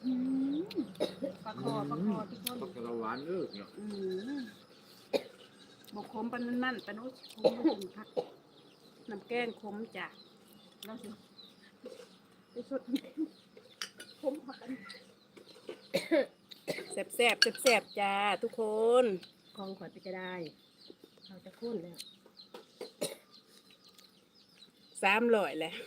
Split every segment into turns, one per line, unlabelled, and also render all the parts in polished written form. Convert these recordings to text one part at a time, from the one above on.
ปลาคอทุกคน
ปักกระหวานเด้อเนาะ
บกขมปานนั่นปานนู้นขมถึงพักน้ำแกงขมจ้ะแล้วสิไปสดขมพักกันแซ่บจ้าทุกคน
ของขวัญไปก็ได้เขาจะข้นแล้ว
300แหละ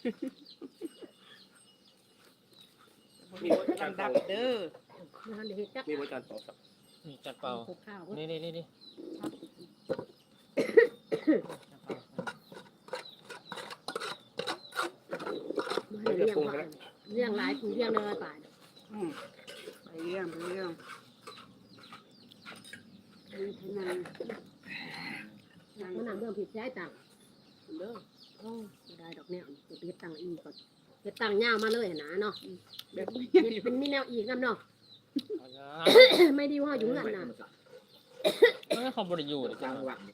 มีบ่จาน
ดั
เป่า
บเด้อ
มาทำเด็กจัก
มีบ่จานเป่าสัก
นี่จัดเป่า
ปลูกข้าว
นี่
มาให้เลี้ยงว่าเลี้ยงหลายผู้เลี้ยงเลยป่าน
ไปเรื่องนี่เท่านั้น
มันนำเรื่องผิดใจต่าง
เด้อ
โอ้ไม่ได้ดอกแนวจะเก็บตังค์อีกก่อนเก็บตังค์ยาวมาเลยนะเนาะ
แบบนี้
เก็บเป็นมีแนวอีกน้ำเนาะไม่ดีว่าอยู่เงินน่ะ
ไม่เขาบริยูเลย
จั
จั
ง
ง
หวะ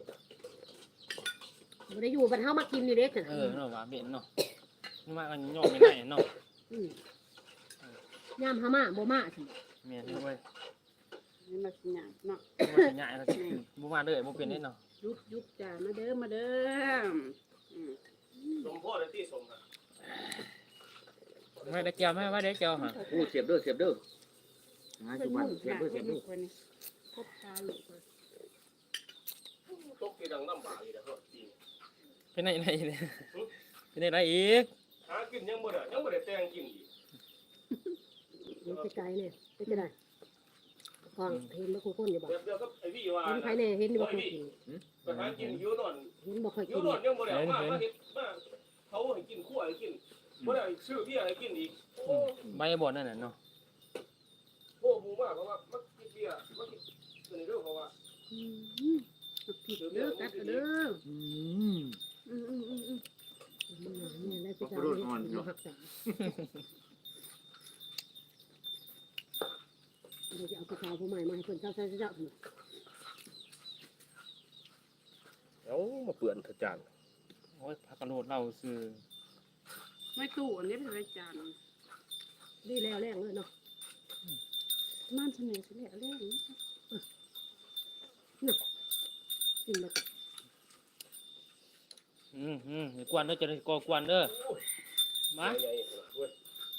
บ่ได้อยู่บรรเทามากินนี่เด็กน่ะ
เนาะว่าเบ็ดเนาะนี่มากันย่อไม่ได้เนาะ
ยามหามาบ่มาสิ
เมียนี่เว้ย
นี่มาสิหยังเนาะ
บ่สิใหญ่แล้วสิบ่มาเลยบ่เป็นได้เนาะ
ยุบจ้ามาเด้อ
สมโพธิที่สมนะ
ไม่ได้เกี่ยวไม่ว่าได้เกี่ยวฮะ
โอ้เสียบเด้อหาสุวรรณเสียบเด้อ
พบตาลูก
ตกที่ดังน้ำบาอีกแล้วจริง
เป็นไหนเนี่ยเป็นไหนอีก
หากินยังบ่ได้แต่งกินอีก
มันจะไกลเนี่ยเป็นจะได้ฟังเห็นบ่คู่คนอยู่บ่
แบบเดียวกับไอ้วี่ว่า
เห็นใครเนี่ยเห็นบ่คู่กิน
ไปหากินหิวนอน
เห็นบ่ค่อย
หิ
กิ
วน นอนยังบ่ได้มาเฮ็ดมาเขาให้กินคั่วให้กินบ่ได้ซื้อเบียร์ให้กินอีกโอ้
ใบบ่นั่นน่ะเนาะ
โหบูมากเพราะว่ามันกินเบียร์มันกินตัวนี้เด้อเพราะว่า
ผิดเด้อกัดเด้อ
เนี่ยแล้วจะเอาหักษาเราจะเอากระเช้าผู้ใหม่มาให้คนเจ้าเจ้า
เอ้ามาเปื่อนเถอะจาน
โอ้ยพักกระโดดเราซื้อ
ไม่ตู้อันนี้เป็นรายจาน
ดีแล้วแรงเลยเนาะ
ม่านเสน่ห์เแรงนี้
กินแล้วก็
อย่ากวนเด้อจะได้ก่อกวนเด้อมา
ใหญ่ๆเว้ย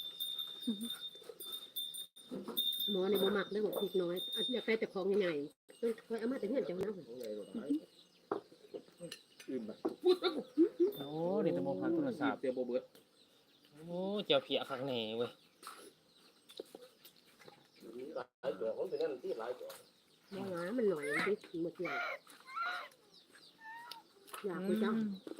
หมอในบ่มักได้บอกพริกน้อยอยากได้แต่ของใหญ่ๆเคยเอามาแต่เงินเจ้านะ
ของใหญ่กว่าหลายอื่นบ่
โอ้เดี๋ยวจะบ่พันโทรศัพท์
เตียวบ่เบิด
โอ้เจ้าเพียข้างในเว้ย
หลายตัวมันเป็นนั่นที่หลายตัว
บ่หลามันหน่อยดิหมดเลยอยากไปเจ้า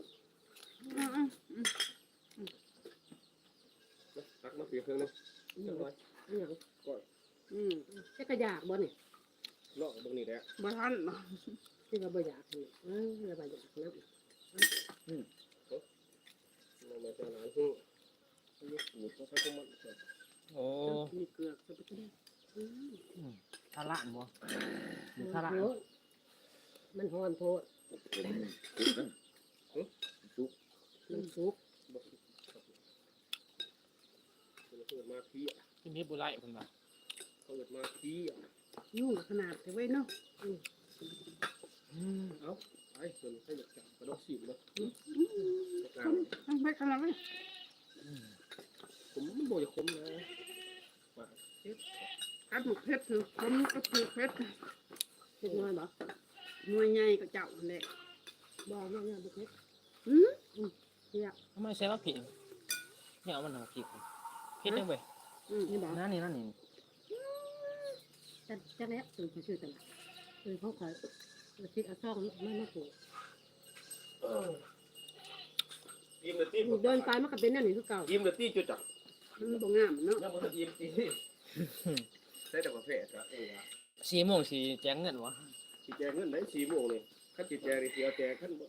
ตักมาเปียกเครื่องนึง
อย่างอย่าง จะกระยากบ่เนี่ย
เลาะตรงนี้แหละ
บ่ทัน
ที่ว่าบ่อยากเนี่ยแล้วบ่อยากนะ
มันมาจากนั้นคือนี่สูตรเขาใช้ของมัน
โอ้
มีเกลือจะไปกิน
ทาระบ่มีทาระ
มันหอนโพดมันสุก
เขาเกิดมาขี้อ่ะ
ที่มีบุไรเพิ่นว่า
เขาเกิดมาขี้อ่ะ
ยุ่งขนาดแต่ไว้เนาะ
เอ้าไอ้ส่วนให้จับกระดกสิบเลย
ต้องไปขนาดไหน
ผมมันบ่อยคมนะว่า
กัดหมกเพชรคือผมก็คือเพชร
เล็กน้อยบ่
หน่วยใหญ่ก็เจ้าแหละ
บ่เนี่ยบ่เฮ็ดเรียก
ทำไมใช้ว่าผิดเนี่ยเอามันหาผิดผิดจังเว้ย
นี่บ่
นั่นนี่
จักแล้วตื่นชื่อตลาดเขาขายคิดเอาซ่องไม่มาปลูก
ยิ้มเลยตี
เดินไปมันก็เป็นนั่นนี่คือเก่า
ยิ้มเลยตีจุดจับ
มันบ่งามเนาะ
ยังมันยิ้มตีใช้แต่ประเภทอะ
4 โมงสิแจ้งเงินวะ
สีแจงเงินไหน4 โมงนี่ขั้นสีแจงนี่เสียแจงขั้นบ่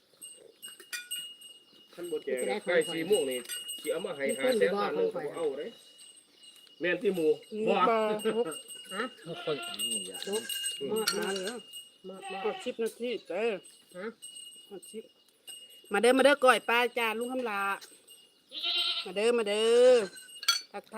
แจงใกล้4 โมงนี่สิเอามาให้500,000 ล้านนึงเอาเด้แม่นที่หมู่บ่
ฮะ
ทุกคน
มาเลย
มา
ก็10 นาทีเด้อ
ฮะ
มาเด้อก้อยปลาจานลุงคำลามาเด้อ